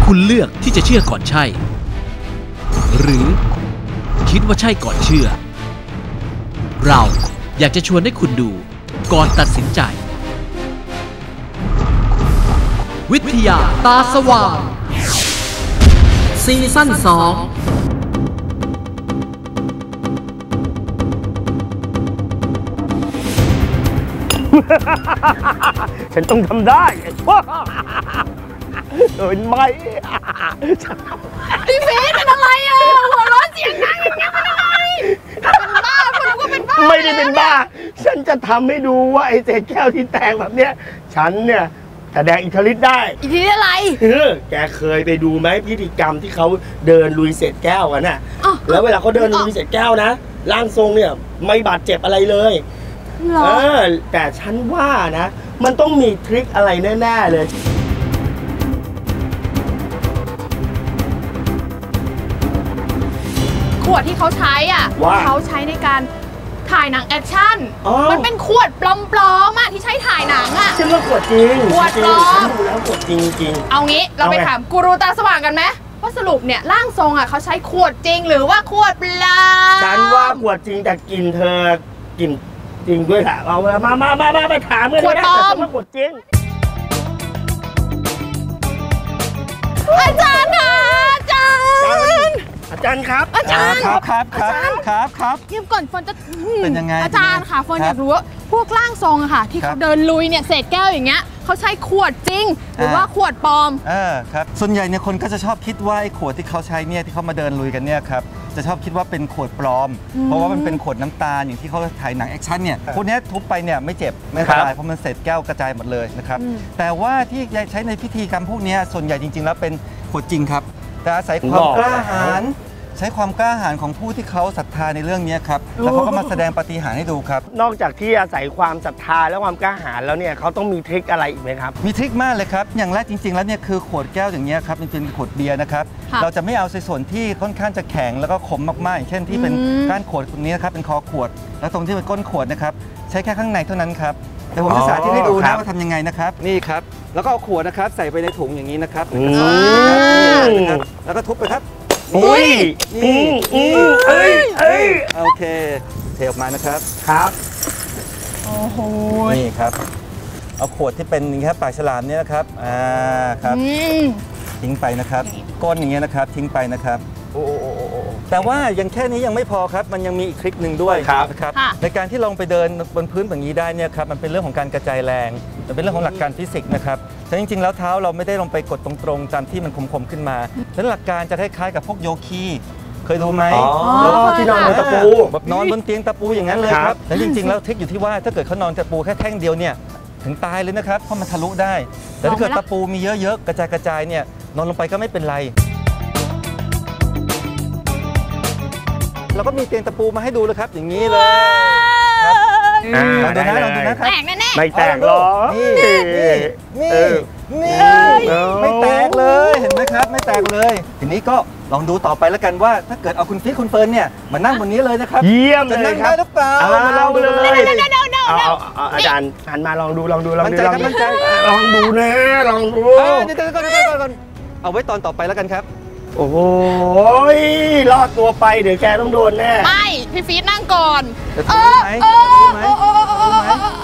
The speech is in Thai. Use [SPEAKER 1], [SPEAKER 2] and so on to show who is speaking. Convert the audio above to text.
[SPEAKER 1] คุณเลือกที่จะเชื่อก่อนใช่ หรือคิดว่าใช่ก่อนเชื่อ เราอยากจะชวนให้คุณดูก่อนตัดสินใจวิทยาตาสว่างซีซั่น2
[SPEAKER 2] ฉันต้องทำได้เห็นไหม
[SPEAKER 3] พี่ฟีดเป็นอะไรอ่ะหัวร้อนเสียงดังอย่างเงี้ยเป็นอะไรเป็นบ้าคนก็เป็นบ้า
[SPEAKER 2] ไม่ได้เป็นบ้าฉันจะทำให้ดูว่าไอ้เศษแก้วที่แตกแบบเนี้ยฉันเนี่ยแสดงอิทธิฤทธิ์ได้
[SPEAKER 3] อิทธิฤทธิ์อะไร
[SPEAKER 2] แกเคยไปดูไหมพิธีกรรมที่เขาเดินลุยเศษแก้วกันน่ะแล้วเวลาเขาเดินลุยเศษแก้วนะร่างทรงเนี่ยไม่บาดเจ็บอะไรเลยแต่ฉันว่านะมันต้องมีทริคอะไรแน่ๆเลย
[SPEAKER 3] ขวดที่เขาใช้อ่ะเขาใช้ในการถ่ายหนังแอคชั่นมันเป็นขวดปลอมๆอ่ะที่ใช้ถ่ายหนังอ่ะ
[SPEAKER 2] ฉันว่าขวดจริง
[SPEAKER 3] ขวดปลอม
[SPEAKER 2] ดูแล้วขวดจริง
[SPEAKER 3] เอางี้เราไปถามกูรูตาสว่างกันไหมว่าสรุปเนี่ยร่างทรงอ่ะเขาใช้ขวดจริงหรือว่าขวดปลอม
[SPEAKER 2] ฉันว่าขวดจริงแต่กลิ่นเธอกลิ่นจริงด้วยแหละเอามาไปถามกัน
[SPEAKER 3] ขวดปลอม
[SPEAKER 2] ขวดจริง
[SPEAKER 3] อาจารย์ค่ะอาจารย์
[SPEAKER 2] ครับ
[SPEAKER 3] อาจารย์
[SPEAKER 4] ครับ
[SPEAKER 3] เยี่ยมก่อนเฟิร์นจะ
[SPEAKER 4] เป็นยังไง
[SPEAKER 3] อาจารย์ค่ะเฟิร์นอยากรู้ว่าพวกร่างทรงอะค่ะที่เขาเดินลุยเนี่ยเศษแก้วอย่างเงี้ยเขาใช้ขวดจริงหรือว่าขวดปลอม
[SPEAKER 4] ครับส่วนใหญ่เนี่ยคนก็จะชอบคิดว่าไอ้ขวดที่เขาใช้เนี่ยที่เขามาเดินลุยกันเนี่ยครับจะชอบคิดว่าเป็นขวดปลอมเพราะว่ามันเป็นขวดน้ำตาลอย่างที่เขาถ่ายหนังแอคชั่นเนี่ยพวกนี้ทุบไปเนี่ยไม่เจ็บไม่ตายเพราะมันเศษแก้วกระจายหมดเลยนะครับแต่ว่าที่ใช้ในพิธีกรรมพวกนี้ส่วนใหญ่จริงๆแล้วเป็นขวดจริงครับแต่อาศัยความกล้าหาญใช้ความกล้าหาญของผู้ที่เขาศรัทธาในเรื่องนี้ครับแล้วเขาก็มาแสดงปาฏิหาริย์ให้ดูครับ
[SPEAKER 2] นอกจากที่อาศัยความศรัทธาและความกล้าหาญแล้วเนี่ยเขาต้องมีทริคอะไรอีกไหมครับ
[SPEAKER 4] มีทริคมากเลยครับอย่างแรกจริงๆแล้วเนี่ยคือขวดแก้วอย่างเงี้ยครับมันเป็นขวดเบียร์นะครับเราจะไม่เอาส่วนที่ค่อนข้างจะแข็งแล้วก็ขมมากๆอย่างเช่นที่เป็นก้านขวดตรงนี้นะครับเป็นคอขวดแล้วตรงที่เป็นก้นขวดนะครับใช้แค่ข้างในเท่านั้นครับแต่ผมจะสาธิตให้ดูนะว่าทำยังไงนะครับนี่ครับแล้วก็เอาขวดนะครับใส่ไปในถุงอย่างนี้นะครับแล้วก็ทุบไปครับ
[SPEAKER 2] อุ้ย
[SPEAKER 4] โอเคเทออกมานะครับ
[SPEAKER 2] ครับ
[SPEAKER 3] โอ้โห
[SPEAKER 4] นี่ครับเอาขวดที่เป็นอย่างนี้ครับปากฉลามเนี่ยนะครับครับทิ้งไปนะครับก้นอย่างเงี้ยนะครับทิ้งไปนะครับแต่ว่ายังแค่นี้ยังไม่พอครับมันยังมีอีกทริคหนึ่งด้วยนะครับในการที่ลงไปเดินบนพื้นแบบนี้ได้เนี่ยครับมันเป็นเรื่องของการกระจายแรงมันเป็นเรื่องของหลักการฟิสิกส์นะครับแต่จริงๆแล้วเท้าเราไม่ได้ลงไปกดตรงๆตามที่มันคมๆขึ้นมาฉะนั้นหลักการจะคล้ายๆกับพวกโยคีเคยดูไหม
[SPEAKER 2] ที่นอนบนตะปู
[SPEAKER 4] แบบนอนบนเตียงตะปูอย่างนั้นเลยครับแต่จริงๆแล้วทริคอยู่ที่ว่าถ้าเกิดเขานอนตะปูแค่แท่งเดียวเนี่ยถึงตายเลยนะครับเพราะมันทะลุได้แต่ถ้าเกิดตะปูมีเยอะๆกระจายเนี่ยนอนลงไปก็ไม่เป็นไรเราก็มีเตียงตะปูมาให้ดูเลยครับอย่างนี้เลยลองดูนะครับ
[SPEAKER 3] แตกแน่ๆ
[SPEAKER 2] ไม่แตกหรอก
[SPEAKER 4] นี่ไม่แตกเลยเห็นไหมครับไม่แตกเลยทีนี้ก็ลองดูต่อไปแล้วกันว่าถ้าเกิดเอาคุณฟีคุณเฟิร์นเนี่ยมานั่งบนนี้เลยนะครับ
[SPEAKER 2] เยี่ยมเลยครับ
[SPEAKER 4] จะนั่งได้หรือเปล่า
[SPEAKER 2] มาลองดูเลยอาจารย์หันมาลองดู
[SPEAKER 4] มั่นใจ
[SPEAKER 2] ลองดูนะลองดู
[SPEAKER 4] เดี๋ยวก่อนเอาไว้ตอนต่อไปแล้วกันครับ
[SPEAKER 2] โอ้โหรอดตัวไปเดี๋ยวแกต้องโดนแน่
[SPEAKER 3] ไม่พี่ฟีดนั่งก่อน